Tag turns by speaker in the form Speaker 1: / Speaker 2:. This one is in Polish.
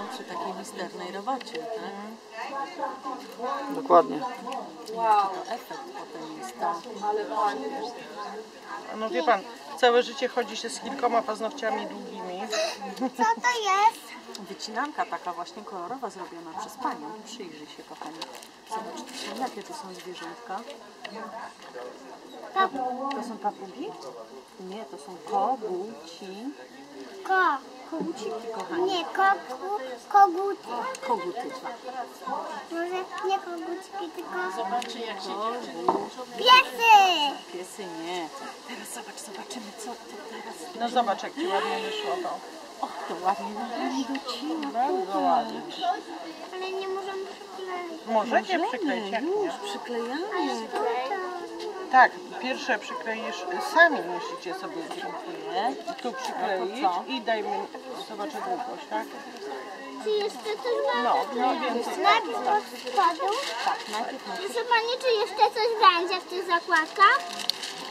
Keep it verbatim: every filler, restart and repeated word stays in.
Speaker 1: przy takiej misternej robocie, tak?
Speaker 2: Dokładnie.
Speaker 1: Wow. To efekt potem jest to.
Speaker 3: No wie pan, całe życie chodzi się z kilkoma paznokciami długimi.
Speaker 4: Co to jest?
Speaker 1: Wycinanka taka właśnie kolorowa zrobiona przez panią. Przyjrzyj się, kochani. Zobacz, to są, jakie to są zwierzątka?
Speaker 4: Pap
Speaker 1: To są papugi? Nie, to są koguci.
Speaker 4: ko.
Speaker 1: Koguciki, kochani.
Speaker 4: Nie, kogu, koguty.
Speaker 1: Koguty.
Speaker 4: Może nie koguciki, tylko
Speaker 1: Zobaczy, jak się
Speaker 4: piesy.
Speaker 1: Piesy nie. Teraz zobacz, zobaczymy, co to teraz.
Speaker 3: No zobacz, jak ci ładnie wyszło to.
Speaker 1: Och, to ładnie nam docina.
Speaker 3: Bardzo ładnie.
Speaker 4: Ale nie możemy przykleić.
Speaker 3: Możecie przykleić, jak nie?
Speaker 1: Już przyklejamy.
Speaker 3: Tak, pierwsze przykleisz, sami musicie sobie dziękuję. Tu przykleić
Speaker 1: A to co?
Speaker 3: i dajmy, zobaczę długość, tak?
Speaker 4: Czy jeszcze coś
Speaker 3: No,
Speaker 4: będzie?
Speaker 3: mniej więcej.
Speaker 4: Najpierw od spodu.
Speaker 1: Tak, najpierw na
Speaker 4: Proszę Pani, czy jeszcze coś będzie w tych zakładkach?